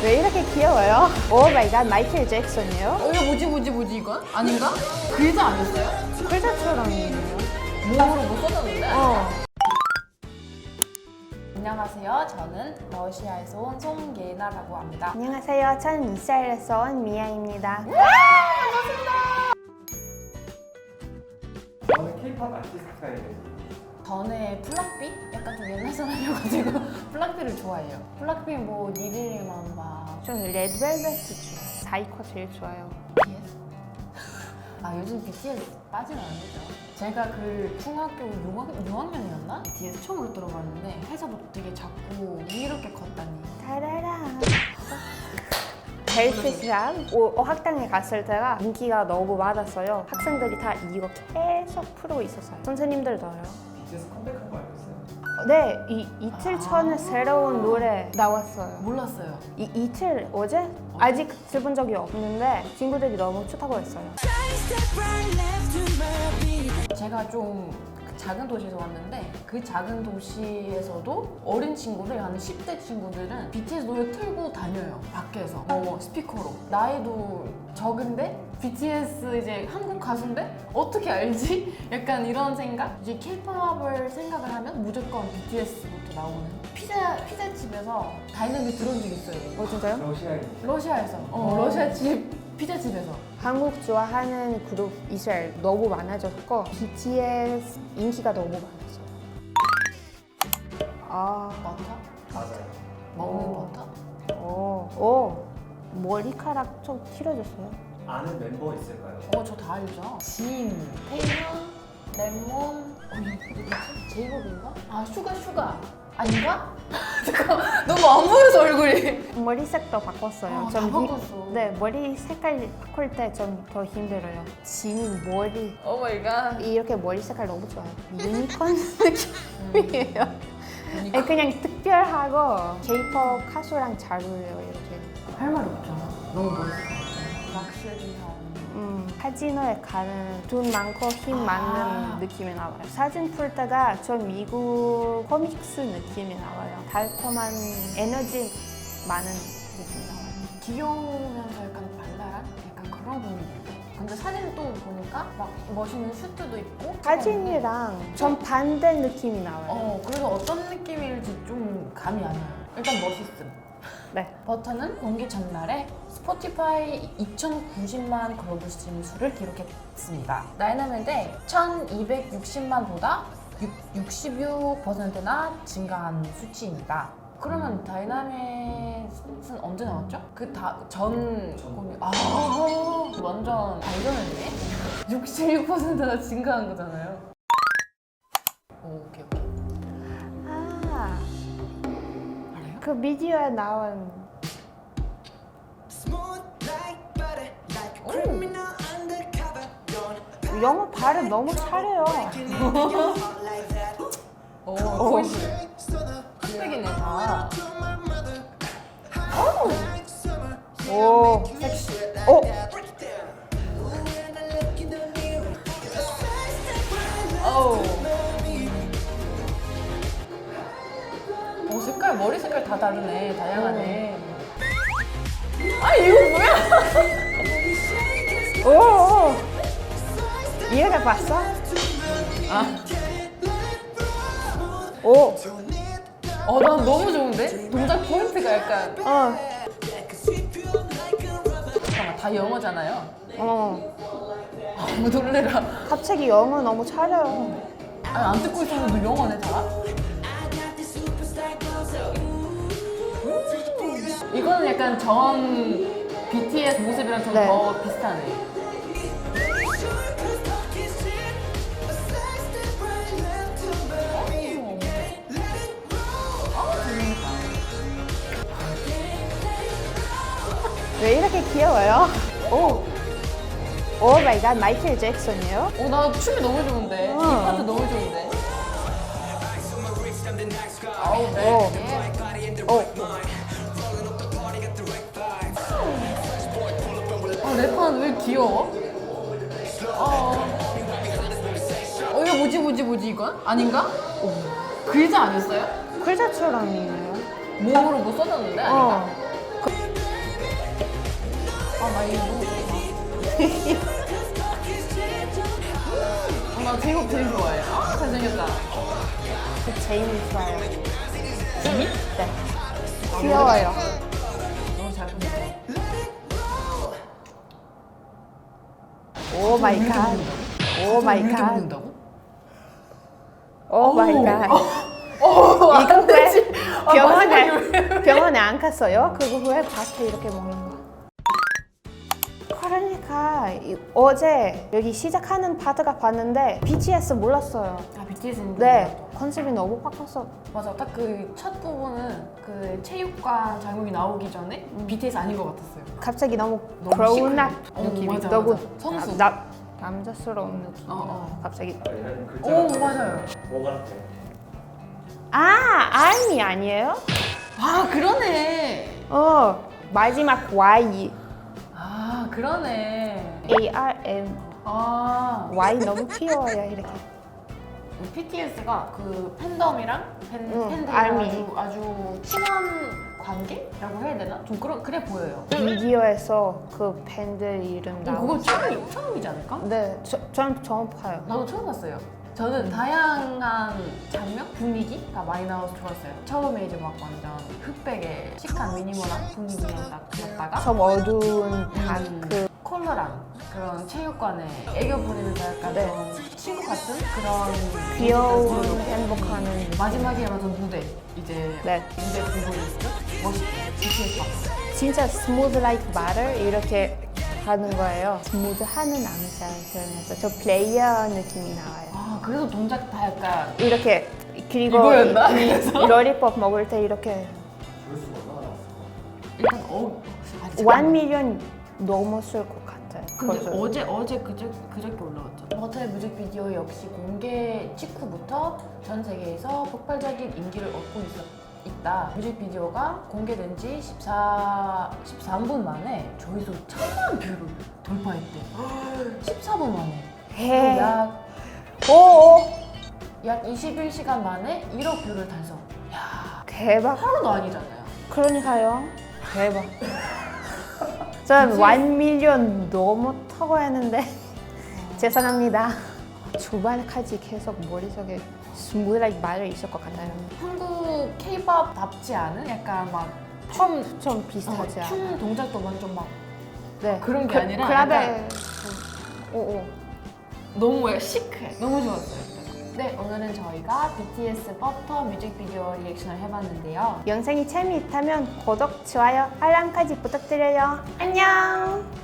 왜 이렇게 귀여워요? 오 마이 갓, 마이클 잭슨이요? 이거 뭐지 이건? 아닌가? 글자 아니었어요? 글자처럼이에요. 몸으로 뭐 써졌는데? 어. 안녕하세요. 저는 러시아에서 온 송예나라고 합니다. 안녕하세요. 저는 이스라엘에서 온 미아입니다. 저는 K-pop 아티스트예요. 전에 플락비? 약간 좀 옛날 사람이어가지고 플락비를 좋아해요. 플락비 뭐 니릴리만 봐. 저는 레드벨벳 좋아해요. 사이코 제일 좋아요. BTS? 아 요즘 BTS 빠지면 안 되죠. 제가 그 중학교 6학년이었나? BTS 처음으로 들어봤는데 회사부터 되게 작고 이렇게 컸다니. 타라라. 벨트샵 학당에 갔을 때가 인기가 너무 많았어요. 학생들이 다 이거 계속 풀고 있었어요. 선생님들도요. BTS 컴백한 거 알겠어요? 네, 이틀 전에 새로운 노래 나왔어요. 몰랐어요. 이틀 어제? 아직 들어본 적이 없는데 친구들이 너무 좋다고 했어요. 제가 좀 작은 도시에서 왔는데 그 작은 도시에서도 어린 친구들, 한 10대 친구들은 BTS 노래 틀고 다녀요. 밖에서 스피커로. 나이도 적은데 BTS 이제 한국 가수인데 어떻게 알지? 약간 이런 생각? 이제 K-팝을 생각을 하면 무조건 BTS부터 나오는 피자집에서 다이나믹 들어온 적 있어요. 진짜요? 러시아에 러시아에서 러시아집 피자집에서. 한국 좋아하는 그룹 이스라엘 너무 많아졌고 BTS 인기가 너무 많았어요. 버터? 맞아요. 먹는 버터? 머리카락 좀 길어졌어요. 아는 멤버 있을까요? 저 다 알죠. 진, 태연, 레몬, 제이홉인가? 아, 슈가. 아닌가? 잠깐, 너무 안 보여서 얼굴이. 머리색도 바꿨어요. 다 바꿨어. 네, 머리 색깔 바꿀 때 좀 더 힘들어요. 지민 머리 오 마이 갓. 이렇게 머리 색깔 너무 좋아요. 유니콘 느낌이에요. 그냥 특별하고 K-pop 가수랑 잘 어울려요. 이렇게. 할 말이 없죠. 너무 멋있어. 락슈리한. 카지노에 가는 돈 많고 힘 많은 느낌이 나와요. 사진 풀 때가 좀 미국 코믹스 느낌이 나와요. 달콤한 에너지 많은 느낌이 나와요. 귀여우면서 약간 발랄한? 약간 그런 분위기예요. 근데 사진 또 보니까 막 멋있는 슈트도 입고 사진이랑 좀 반대 느낌이 나와요. 그래서 어떤 느낌일지 좀 감이 안 와요. 일단 멋있음. 네. 버터는 공개 전날에 스포티파이 2,090만 글로벌 스트리밍 수를 기록했습니다. 다이나믹의 1,260만보다 66%나 증가한 수치입니다. 그러면 다이나믹은 언제 나왔죠? 전 공개. 완전 발전했네? 66%나 증가한 거잖아요. 오케이. 알아요? 그 미디어에 나온 영어 발음 너무 잘해요. 흑백이네 다. 오, 섹시. 색깔, 머리 색깔 다 다르네. 다양하네. 이거 뭐야? 오, 이해가 봤어? 난 너무 좋은데? 동작 포인트가 약간. 잠깐만, 다 영어잖아요. 놀래라. 갑자기 영어 너무 잘해요. 안 듣고 있었는데 영어네 다? 이거는 약간 전 BTS 모습이랑 좀 네. 더 비슷하네. 왜 이렇게 귀여워요? 오 마이 갓, 마이클 잭슨이요? 나 춤이 너무 좋은데. 이 파트 너무 좋은데. 래퍼는 왜 귀여워? 이거 뭐지 이건? 아닌가? 글자 아니었어요? 글자처럼이에요. 몸으로 뭐 써졌는데? 아닌가? 나 제이홉 제일 좋아해. 아, 잘생겼다. 저 제이미 좋아요. 제이? 네. 귀여워요. 너무 잘 보냈어. 오 마이 갓. 오 마이 이렇게 갓. 먹는다고? 오 마이 갓. 어, 이거 안 되지. 왜 병원에 안 갔어요? 그거 왜 밭에 이렇게 먹는 거? 그러니까 어제 여기 시작하는 파트가 봤는데 BTS 몰랐어요. 아, BTS는 네, 컨셉이 너무 바뀌었어. 맞아. 딱 그 첫 부분은 그 체육관 장면이 나오기 전에 BTS 아닌 것 같았어요. 갑자기 너무 너무 grown up 시크해. 느낌이 맞아, 너무 맞아. 성수. 남자스러운 느낌. 갑자기. 아, 얘는 글자가 오, 좀 맞아요. 뭐 같아? 아, 아미 아니에요? 아, 그러네. 마지막 Y, 아, 그러네. ARM, 아, Y 너무 귀여워요 이렇게. BTS가 그 팬덤이랑 팬들이랑 알미. 아주 친한 관계라고 해야 되나? 좀 그래 보여요. 비디오에서 그 팬들 이름 나오고. 그거 처음이지 않을까? 네, 전 처음 봐요. 나도 처음 봤어요. 저는 다양한 장면, 분위기가 많이 나와서 좋았어요. 처음에 이제 막 완전 흑백의 시크한 미니멀한 분위기였다가 좀 어두운 다크. 컬러랑 그런 체육관에 애교 부리면서 약간 네. 좀 친구 같은 그런 귀여운 분위기를 행복하는. 마지막에 맞은 무대 이제 네. 무대 공부리스트 멋있게 BTS 봤어요. 진짜 스무드 라이크 말을 이렇게 하는 거예요. 스무드 하는 남자 표현해서 저 플레이어 느낌이 나와요. 아 그래서 동작 다 약간 이렇게 그리고 이거였나? 이 러리법 먹을 때 이렇게 조회수가 얼마나 나왔을까? 일단 원 밀리언 넘었을 것 같아요. 근데 벌써. 어제 그저께 올라왔죠. 버터의 뮤직비디오 역시 공개 직후부터 전 세계에서 폭발적인 인기를 얻고 있다. 뮤직비디오가 공개된 지 13분 만에 조회수 1000만 뷰를 돌파했대. 14분 만에. 해. 그리고 약 21시간 만에 1억 뷰를 달성. 야, 대박. 하루도 아니잖아요. 그러니까요. 대박. 전 1 밀리언 넘었다고 했는데 죄송합니다. 주말까지 계속 머릿속에 스무드 라이크 말이 있을 것 같아요. 한국 K-팝답지 않은 약간 막 좀 비슷하지 않아요? 춤 동작도 완전 막 네. 그런 게 아니라 클럽에 오오. 너무 시크해. 너무 좋았어요. 그래서. 네, 오늘은 저희가 BTS 버터 뮤직비디오 리액션을 해봤는데요. 영상이 재미있다면 구독, 좋아요, 알람까지 부탁드려요. 안녕.